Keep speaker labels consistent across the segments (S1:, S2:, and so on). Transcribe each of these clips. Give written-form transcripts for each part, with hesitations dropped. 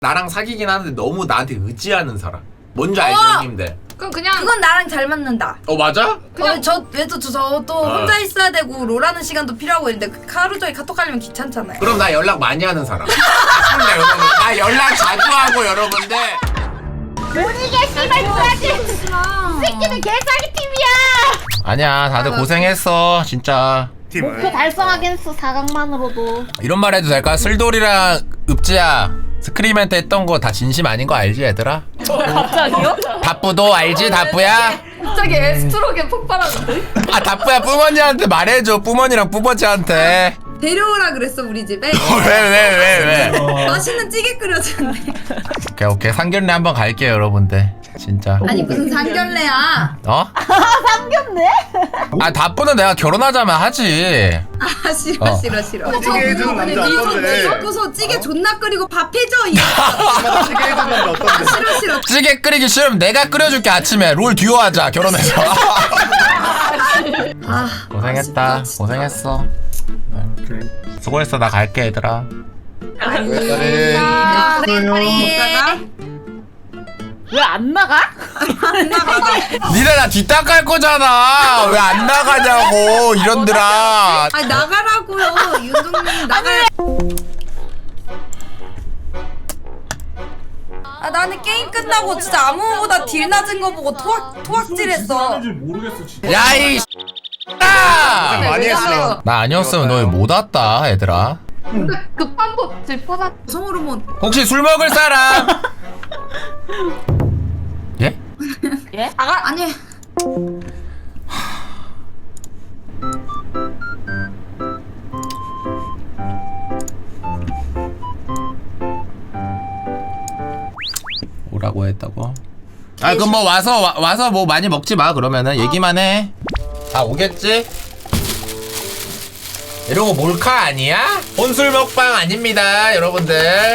S1: 나랑 사귀긴 하는데 너무 나한테 의지하는 사람. 뭔지 알죠, 형님들?
S2: 그럼 그냥
S3: 그건 나랑 잘 맞는다.
S1: 맞아?
S3: 그냥 저도 혼자 있어야 되고 롤하는 시간도 필요하고 있는데 하루 종일 카톡 하려면 귀찮잖아요.
S1: 그럼 나 연락 많이 하는 사람. 아쉽네, 여러분. 나 연락 자주 하고 여러분들.
S4: 모르게 씨발 누나들 새끼들 개사기 팀이야.
S1: 아니야, 다들 고생했어, 진짜.
S4: 목표 달성하긴 했어 4강만으로도.
S1: 이런 말 해도 될까? 슬돌이랑 읍지야 스크림한테 했던 거 다 진심 아닌 거 알지, 얘들아?
S2: 갑자기요?
S1: 다뿌도 알지, 다뿌야?
S2: 갑자기 에스트로겐 폭발하는데?
S1: 다뿌야, 뿌머니한테 말해줘, 뿌머니랑 뿌버지한테.
S3: 데려오라 그랬어 우리 집에.
S1: 왜?
S3: 맛있는 찌개 끓여주는데.
S1: 오케이 상견례 한번 갈게요, 여러분들. 진짜.
S3: 아니 무슨 상견례야.
S4: 삼겹네?
S1: 다뿌는 내가 결혼하자면 하지.
S3: 아 싫어.
S5: 찌개 해주는 남자 어떤데?
S3: 섞어서 찌개 존나 끓이고 밥 해줘 이.
S5: 찌개 해주는 남자 어떤데?
S3: 싫어.
S1: 찌개 끓이기 싫으면 내가 끓여줄게. 아침에 롤 듀오 하자, 결혼해서. 고생했다. 고생했어. 수고했어. 나 갈게, 얘들아.
S5: 그래.
S4: 왜 안 나가?
S1: 니네 나 뒷담갈 거잖아. 왜 안 나가냐고, 이런들아.
S3: 아니 나가라고요. 윤동님 나가. 아 나는 게임 끝나고 진짜 아무보다 딜 낮은 거 보고 토악질했어.
S1: 야이
S5: 많이 했어.
S1: 나 아니었으면 너희 못 왔다, 얘들아.
S2: 급한 곳 짚어놨.
S3: 성호르몬.
S1: 혹시 술 먹을 사람? 예?
S4: 예?
S3: 아니.
S1: 오라고 했다고? 아 그럼 뭐 와서 뭐 많이 먹지 마. 그러면은 얘기만 해. 다 오겠지? 이러고 몰카 아니야? 혼술 먹방 아닙니다, 여러분들.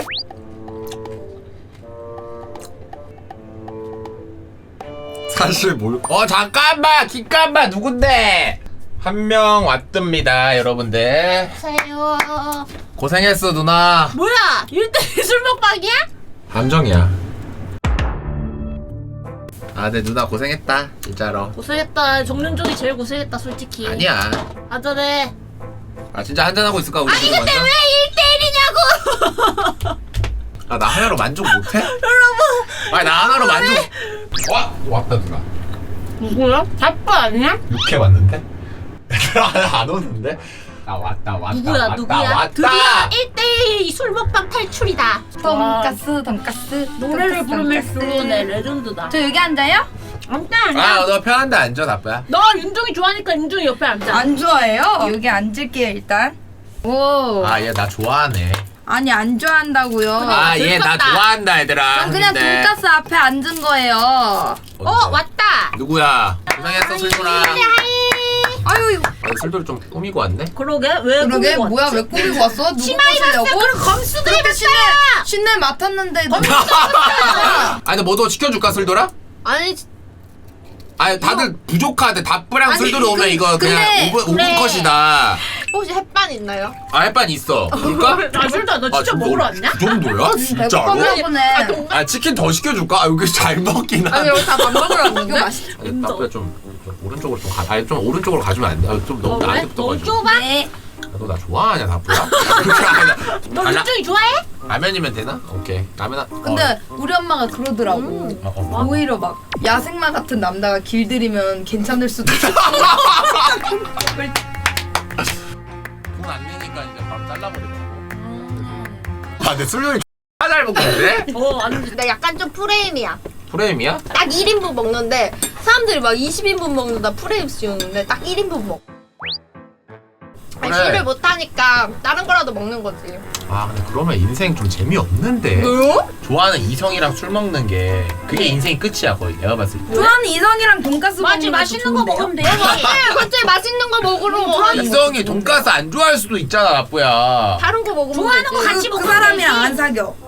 S1: 사실 잠깐만, 기깐만. 누군데? 한 명 왔답니다, 여러분들.
S4: 세요.
S1: 고생했어, 누나.
S4: 뭐야 1대1 술 먹방이야?
S1: 함정이야. 네, 누나 고생했다, 진짜로.
S4: 고생했다. 정윤종이 제일 고생했다 솔직히.
S1: 아니야.
S4: 아전에.
S1: 진짜 한잔하고 있을까, 우리 지금
S4: 근데
S1: 완전?
S4: 왜 1대1이냐고.
S1: 나 하나로 만족 못해? 여러분. 나 하나로 만족. 왔다 누나.
S4: 누구야? 자꾸 아니야?
S1: 6회 왔는데? 얘들아 안 오는데? 나 왔다.
S4: 누구야?
S1: 왔다.
S4: 드디어 1대1 술 먹방 탈출이다.
S3: 돈가스.
S4: 노래를 부르면서 내 레전드다.
S3: 저 여기 앉아요?
S4: 앉아.
S1: 너 편한데 앉아, 다뿌야.
S4: 너 윤종이 좋아하니까 윤종이 옆에 앉아.
S3: 안 좋아해요? 여기 앉을게요 일단. 오.
S1: 얘 나 좋아하네.
S3: 아니 안 좋아한다고요.
S1: 얘 나
S4: 들켰다.
S1: 좋아한다, 얘들아.
S3: 전 그냥
S1: 근데.
S3: 돈가스 앞에 앉은 거예요.
S4: 왔다.
S1: 누구야? 고생했어, 술돌아.
S3: 아유
S1: 술돌이 좀 꾸미고 왔네?
S4: 그러게 왜
S3: 그러게
S4: 꾸미고
S3: 뭐야
S4: 왔지?
S3: 왜 꾸미고 왔어? 누구
S4: 치마 입었어.
S3: 꼬시려고?
S4: 그럼 검수도
S3: 그렇게
S4: 입었어.
S3: 신내 맡았는데
S1: 근데 뭐 더 시켜줄까, 술돌아?
S4: 아니
S1: 다들 부족하대. 다뿌랑 술돌이 오면 이거 그냥
S3: 근데-
S1: 5분 컷이다.
S2: 혹시 햇반 있나요?
S1: 햇반 있어. 그럴까?
S4: 술다 너 진짜 먹으러 왔냐?
S1: 그 정도야? 진짜로?
S3: 배고팠나 보네.
S1: 치킨 더 시켜줄까? 여기 잘 먹긴
S2: 아니
S1: 한데.
S2: 여기 다 밥 먹으러 왔는데?
S3: 이거 맛있어.
S1: 다뿌야 좀 오른쪽으로 좀 가. 좀 오른쪽으로 가주면 안 돼? 좀 너무
S4: 그래?
S1: 나한테
S4: 너무
S1: 붙어가지고.
S4: 좁아?
S3: 네.
S1: 너 나 좋아하냐, 다뿌야?
S4: 너 윤종이 좋아해?
S1: 라면이면 되나? 오케이. 라면
S3: 근데 우리 엄마가 그러더라고. 오히려 막 야생마 같은 남자가 길들이면 괜찮을 수도 있어.
S1: 돈안 내니까 이제 바로 잘라버리더라고. 내 술量잘 먹는데?
S4: 아니
S2: 근데 약간 좀 프레임이야.
S1: 프레임이야?
S2: 딱 1인분 먹는데 사람들이 막 20인분 먹는다 프레임 씌우는데 딱 1인분 먹. 아니,
S1: 그래.
S2: 술을 못하니까 다른 거라도 먹는 거지.
S1: 근데 그러면 인생 좀 재미없는데.
S2: 왜요?
S1: 좋아하는 이성이랑 술 먹는 게 그게 인생이 끝이야, 거의. 내가 봤을 때.
S3: 좋아하는 이성이랑 돈가스
S4: 맞지
S3: 먹는 것도
S4: 맛있는 거
S3: 좋은데요?
S4: 먹으면 돼.
S2: 갑자기 맛있는 거 먹으러
S1: 이성이 돈가스 안 좋아할 수도 있잖아, 나쁘야.
S2: 다른 거 먹으면
S4: 좋아하는 거
S2: 되지.
S4: 같이
S3: 그
S4: 먹으면
S3: 사람이랑
S4: 되지.
S3: 안 사겨.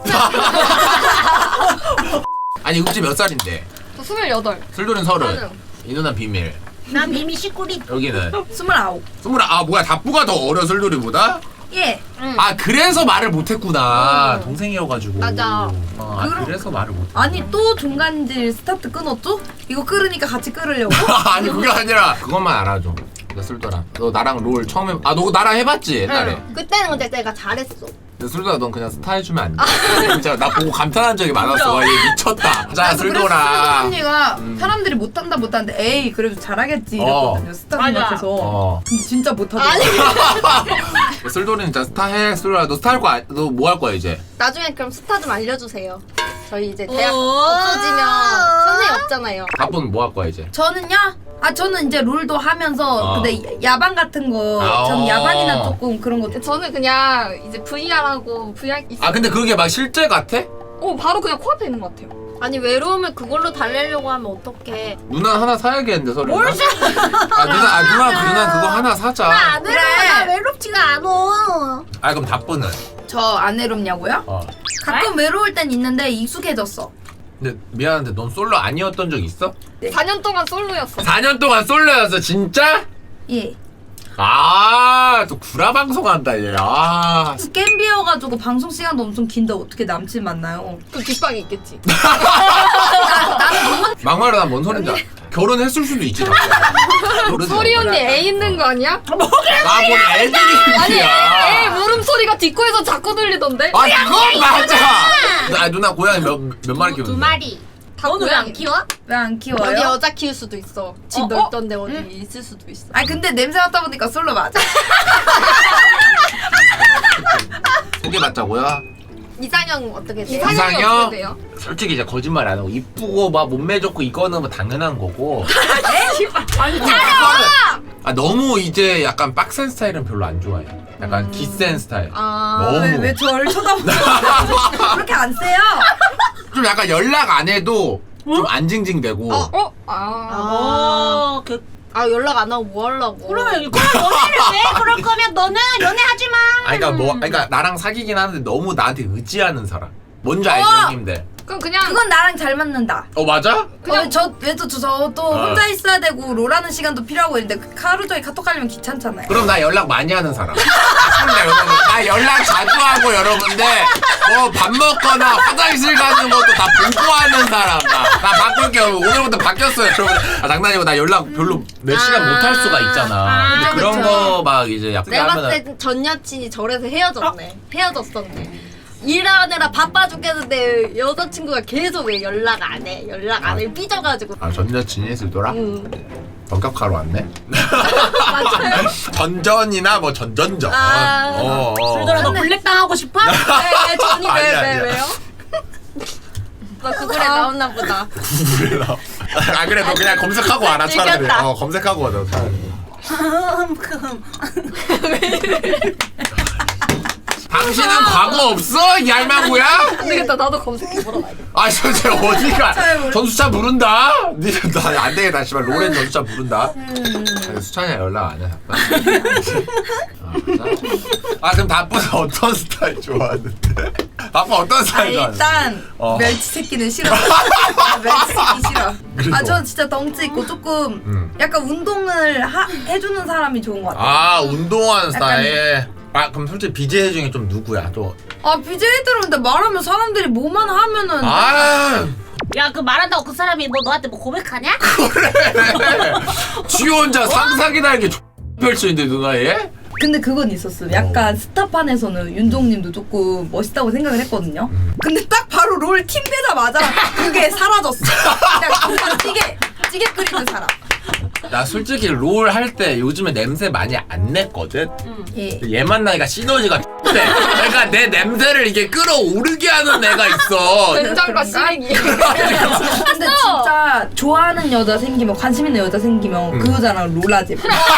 S1: 아니, 읍지 몇 살인데?
S2: 저 28.
S1: 술돌은 30. 이 누나 비밀.
S4: 난 미미 시꾸리.
S1: 여기는
S3: 29.
S1: 뭐야, 다뿌가 더 어려, 술돌이보다?
S3: 예.
S1: 아 그래서 말을 못했구나. 동생이어가지고.
S2: 맞아.
S1: 그래서 말을 못.
S3: 아니 또 중간질 스타트 끊었죠? 이거 끓으니까 같이 끓으려고?
S1: 아니 그게 아니라 그것만 알아줘. 나 술더라. 너 나랑 롤 처음에 너 나랑 해봤지 옛날에.
S2: 그때는 근데 내가 잘했어.
S1: 근데 술더라 넌 그냥 스타 해주면 안 돼. 진짜 나 보고 감탄한 적이 많았어. 와, 얘 미쳤다. 자 술더라.
S3: 언니가 사람들이 못하는데 에이 그래도 잘하겠지 이랬거든요. 스타
S4: 맞아.
S3: 생각해서. 근데 진짜 못하더라고.
S1: 술돌이는 진짜 스타 해. 술더라 너 스타 할 거야. 너 뭐 할 거야 이제?
S2: 나중에 그럼 스타 좀 알려주세요. 저희 이제 대학
S4: 오.
S2: 없어지면 선생님 없잖아요.
S1: 바쁜 뭐 할 거야 이제?
S3: 저는요? 저는 이제 롤도 하면서 근데 야방 같은 거 전
S1: 아.
S3: 야방이나 조금 그런 거
S2: 저는 그냥 이제 VR하고 VR
S1: 아 근데 그게 막 실제 같아?
S2: 바로 그냥 코앞에 있는 것 같아요. 아니 외로움을 그걸로 달래려고 하면 어떡해.
S1: 누나 하나 사야겠는데 서로. 뭘 사? 누나 그거 하나 사자.
S4: 안
S3: 그래.
S4: 나 외롭지가 않아.
S1: 아 그럼 답변은?
S3: 저 안 외롭냐고요? 가끔 외로울 땐 있는데 익숙해졌어.
S1: 근데 미안한데 넌 솔로 아니었던 적 있어?
S2: 4년 동안 솔로였어.
S1: 4년 동안 솔로였어 진짜?
S3: 예.
S1: 또 구라 방송한다 얘.
S3: 게임 비어가지고 방송 시간도 엄청 긴데 어떻게 남친 만나요?
S2: 그 뒷방에 있겠지.
S1: 막말로 난 뭔 소린지 알아. 결혼했을 수도 있지.
S2: 소리 언니 애 있는 거 아니야?
S1: 나뭔 애들이야.
S2: 애 물음소리가 뒷코에서 자꾸 들리던데?
S1: 아 그건 맞아. 누나 고양이 몇 마리 키우는데?
S4: 2마리.
S2: 다
S4: 너는 왜 안 키워?
S3: 왜 안
S2: 여기
S3: 키워요?
S2: 여자 키울 수도 있어. 집 넓던데 어디 있을 수도 있어.
S3: 아니 근데 냄새 맡다 보니까 솔로 맞아.
S1: 소개받자고요?
S2: 이상형 어떻게 돼요?
S1: 이상형?
S2: 어떻게 돼요?
S1: 솔직히 이제 거짓말 안 하고 이쁘고 막 몸매 좋고 이거는 뭐 당연한 거고.
S4: 아니
S1: 너무 이제 약간 빡센 스타일은 별로 안 좋아해. 약간 기센 스타일. 너무.
S3: 왜 저를 쳐다보고 그렇게 안 세요?
S1: 좀 약간 연락 안 해도 좀 안 징징대고.
S2: 연락 안 하고 뭐 하려고?
S4: 그러면 연애를 왜? 그럴 거면 너는 연애하지 마.
S1: 그러니까 나랑 사귀긴 하는데 너무 나한테 의지하는 사람. 뭔지 알죠 형님들?
S2: 그럼 그냥
S3: 그건 나랑 잘 맞는다.
S1: 맞아?
S3: 그냥 저도 혼자 있어야 되고 롤하는 시간도 필요하고 있는데 하루 종일 카톡 하려면 귀찮잖아요.
S1: 그럼 나 연락 많이 하는 사람. 나 연락 자주 하고 여러분들 밥 먹거나 화장실 가는 것도 다 보고 하는 사람. 나 바꿀게요. 오늘부터 바뀌었어요 여러분. 장난이고 나 연락 별로 몇 시간 못 할 수가 있잖아. 근데 그런 거 막 이제 약간
S2: 내가
S1: 하면은
S2: 봤을 때 전 여친이 저래서 헤어졌었네. 일하느라 바빠 죽겠는데 여자친구가 계속 왜 연락 안 해? 삐져가지고.
S1: 전 여친이 술더라? 본격화로 왔네?
S2: 맞아요.
S1: 전전이나 뭐 전전전.
S4: 술더라 너 블랙 당하고 싶어?
S2: 네, 전이
S1: 아니야.
S2: 왜요? 나 구글에 나왔나 보다.
S1: 그래 너 그냥 검색하고 와라 차라리.
S2: 즐겼다.
S1: 검색하고 와라 차라리. 당신은 과거 없어? 이 할망구야?
S2: 안 되겠다. 나도 검색해보러 가야겠다.
S1: 진짜 어디가 전수차 부른다? 나안 되겠다 씨발 로렌 전수차 부른다. 수찬이랑 연락 안 해. 그럼 다뿌는 어떤 스타일 좋아하는데? 다뿌 어떤 스타일 좋아하는데?
S3: 일단 멸치 새끼는 싫어. 멸치 새끼 싫어. 저 진짜 덩치 있고 조금 약간 운동을 해주는 사람이 좋은 것 같아.
S1: 운동하는 스타일. 그럼 솔직히 BJ 중에 좀 누구야 또?
S3: BJ들은 근데 말하면 사람들이 뭐만 하면은
S4: 야 그 말한다고 그 사람이 너한테 고백하냐?
S1: 지 혼자 상상이 날게 펼치는데 누나 얘?
S3: 근데 그건 있었어. 약간 스타판에서는 윤종님도 조금 멋있다고 생각을 했거든요. 근데 딱 바로 롤 팀 되자마자 그게 사라졌어. 그냥 찌개 끓이는 사람.
S1: 나 솔직히 롤 할 때 요즘에 냄새 많이 안 냈거든?
S3: 예.
S1: 얘 만나니까 시너지가 돼. 그러니까 내 냄새를 이게 끌어오르게 하는 애가 있어.
S2: 된장과 시래기.
S3: 근데 진짜 좋아하는 여자 생기면 관심 있는 여자 생기면 그 여자랑 롤하지.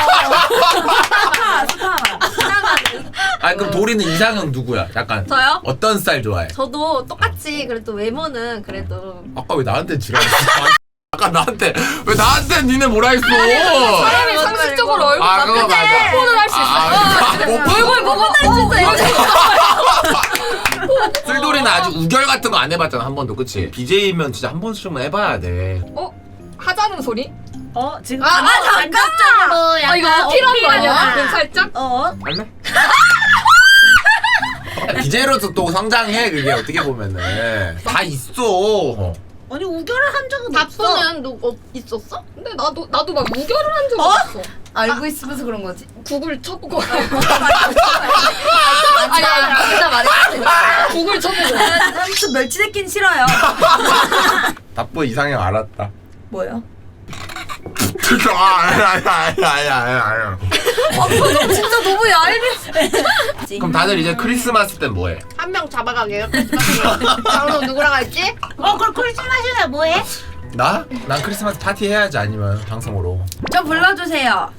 S1: 그럼 도리는 이상형 누구야? 약간
S2: 저요?
S1: 어떤 스타일 좋아해?
S2: 저도 똑같이 그래도 외모는 그래도
S1: 아까 왜 나한테 지랄했어? 아까 왜 나한테 니네 뭐라 했어?
S2: 사람이 상식적으로 얼굴
S1: 그거 맞아.
S2: 폰을 할 수 있어. 얼굴 보고 할 수 있어.
S1: 술돌이는 아직 우결 같은 거 안 해봤잖아 한 번도 그치? BJ면 진짜 한 번씩만 해봐야 돼.
S2: 하자는 소리?
S4: 지금
S2: 잠깐만.
S4: 감정적으로 약간
S2: 이거 필요한 거 아니야?
S4: 어필하는
S2: 그 살짝?
S1: 할래? BJ로서 또 성장해. 그게 어떻게 보면은 다 있어.
S4: 아니 우결을 한 적은 없어.
S2: 다프는 너 있었어? 근데 나도 막 무결을 한 적 없어.
S3: 알고 있으면서 그런 거지.
S2: 구글 쳐보고.
S3: 아니 진짜 말했지.
S2: 구글 쳐보고.
S3: 삼촌 멸치 새끼는 싫어요.
S1: 답보 이상형 알았다.
S3: 뭐요?
S1: 아니야.
S3: 진짜 너무 얄미.
S1: 그럼 다들 이제 크리스마스 때 뭐해?
S2: 한 명 잡아가게요. 방송 누구랑 할지?
S4: 그럼 크리스마스에 뭐해?
S1: 나? 난 크리스마스 파티 해야지 아니면 방송으로.
S3: 저 불러주세요.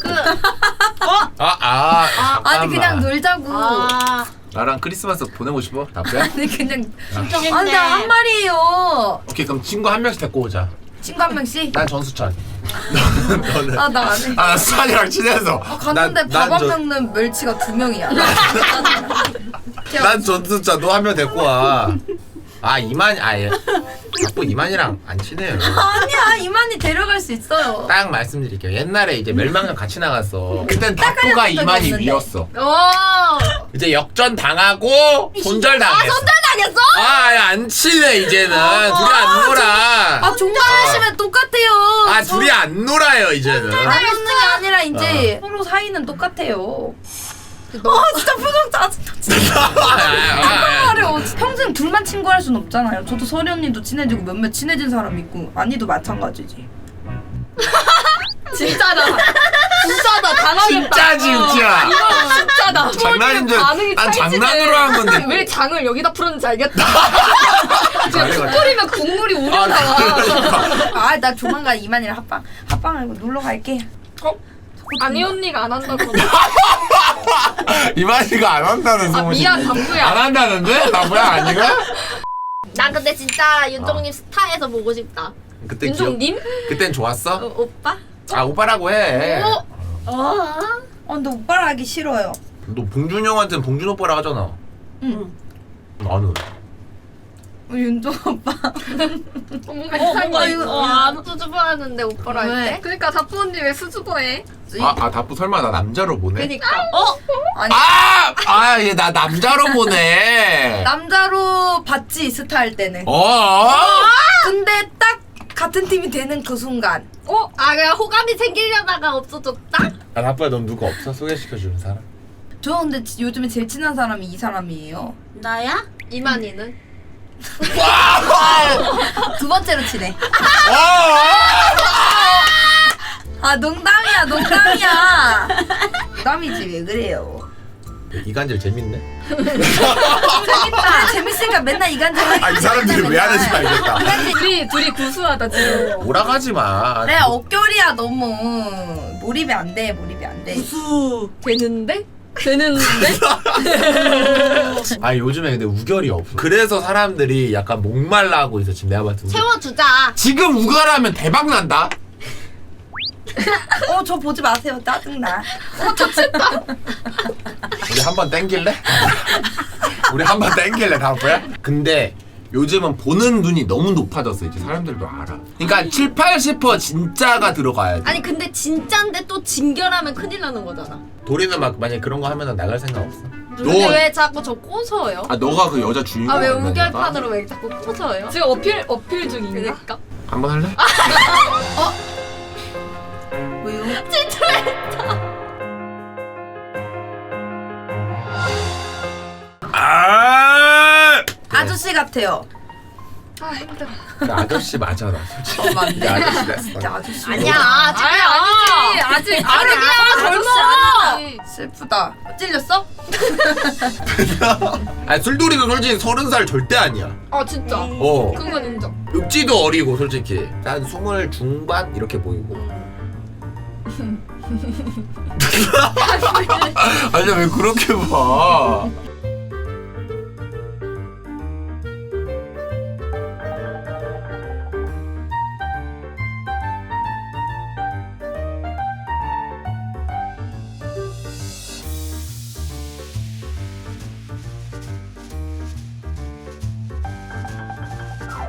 S1: 잠깐만.
S3: 아니 그냥 놀자고.
S4: 아
S1: 나랑 크리스마스 보내고 싶어? 답변?
S3: 아니 그냥.
S4: 진짜
S3: 아니 한 말이에요.
S1: 오케이 그럼 친구 한 명씩 데리고 오자.
S3: 친구 한 명씩.
S1: 난 전수찬. 너는?
S3: 아 나 안 해.
S1: 나 수찬이랑 친해서.
S3: 갔는데 밥 안 먹는 멸치가 2명이야.
S1: 난 전수찬. 너 한 명 데리고 와. 이만이 아예. 자꾸 이만이랑 안 친해요.
S3: 아니야 이만희 데려갈 수 있어요.
S1: 딱 말씀드릴게요. 옛날에 이제 멸망전 같이 나갔어. 그땐 다프가 이만희
S3: 없는데.
S1: 위였어.
S2: 오.
S1: 이제 역전 당하고 손절당했어.
S2: 손절당했어?
S1: 안 친해 이제는. 둘이 안 놀아.
S3: 아 종말하시면 똑같아요.
S1: 둘이 안 놀아요 이제는.
S3: 안 웃는 게 아니라 이제 서로 사이는 똑같아요. 진짜 표정 짜증나. 진짜 말이야. 평생 둘만 친구할 순 없잖아요. 저도 서리 언니도 친해지고 몇몇 친해진 사람 있고 아니도 마찬가지지.
S2: 진짜다. 진짜다. 당하겠다.
S1: 진짜.
S2: 이거 진짜다.
S1: 장난인 줄.
S2: 반응이
S1: 난
S2: 찰지네.
S1: 장난으로 한 건데.
S2: 왜 장을 여기다 풀었는지 알겠다. 지금
S1: 아니,
S2: 국 끓이면 국물이 우려나와.
S3: 아 나 조만간 이만이랑 합방하고 놀러 갈게.
S2: 아니 언니가 안 한다고.
S1: 이만희가 안 한다는 소문이.
S2: 미안 담구야.
S1: 안 한다는데? 나 뭐야 아니가?
S2: 난 근데 진짜 윤종님 스타에서 보고 싶다.
S1: 그때
S2: 윤종님?
S1: 그땐 좋았어?
S2: 오빠?
S1: 오빠라고 해.
S3: 근데 오빠랑 하기 싫어요.
S1: 너 봉준 형한테는 봉준 오빠라 하잖아.
S3: 응.
S1: 나는.
S3: 윤종 오빠.
S2: 뭔가 이상해.
S3: 이거-
S2: 안 수줍어하는데 오빠랑 할
S3: 왜?
S2: 때? 그러니까 다프 언니 왜 수줍어해?
S1: 다프 설마 나 남자로 보내?
S2: 그니까.
S3: 아니
S1: 얘 나 남자로 보내.
S3: 남자로 봤지 스타 할 때는. 근데 딱 같은 팀이 되는 그 순간.
S2: 그냥 호감이 생기려다가 없어졌다?
S1: 다프야 넌 누구 없어? 소개시켜주는 사람?
S3: 저 근데 요즘에 제일 친한 사람이 이 사람이에요.
S4: 나야?
S2: 이만희는?
S3: 두 번째로 친해. 농담이야. 농담이지 왜 그래요?
S1: 이간질 재밌네.
S3: 재밌다. 재밌으니까 맨날 이간질 하니까.
S1: 이 사람들이 왜 하는지 알겠다.
S2: 둘이 구수하다 지금.
S1: 오락하지 마.
S3: 그래 어결이야 너무. 몰입이 안 돼.
S2: 되는데?
S1: 요즘에 근데 우결이 없어. 그래서 사람들이 약간 목말라 하고 있어 지금 내가 봤을 때.
S2: 채워주자.
S1: 지금 우결하면 대박 난다.
S3: 저 보지 마세요. 짜증나.
S1: 우리 한번 땡길래? 우리 한번 땡길래 다프야? 근데 요즘은 보는 눈이 너무 높아졌어. 이제 사람들도 알아. 그러니까 7, 80% 진짜가 들어가야지.
S2: 아니 근데 진짠데 또 진결하면 큰일 나는 거잖아.
S1: 도리는 막 만약에 그런 거 하면 나갈 생각 없어?
S2: 근데 왜 자꾸 저 꼬셔요?
S1: 너가 그 여자 주인공
S2: 왜
S1: 만나니까?
S2: 우결판으로 왜 자꾸 꼬셔요? 지금 어필 중인가? 그러니까.
S1: 한번 할래?
S3: 왜요? 아저씨 같아요.
S2: 힘들어.
S1: 나 아저씨 맞아 나 솔직히.
S3: 맞네.
S1: 나 아저씨 됐어.
S3: 진짜 아저씨.
S2: 아니야. 아직 젊어.
S3: 슬프다. 찔렸어?
S1: 술돌이도 솔직히 30살 절대 아니야.
S2: 진짜. 그건 인정.
S1: 육지도 어리고 솔직히 한 20 중반 이렇게 보이고. 아니 왜 그렇게 봐?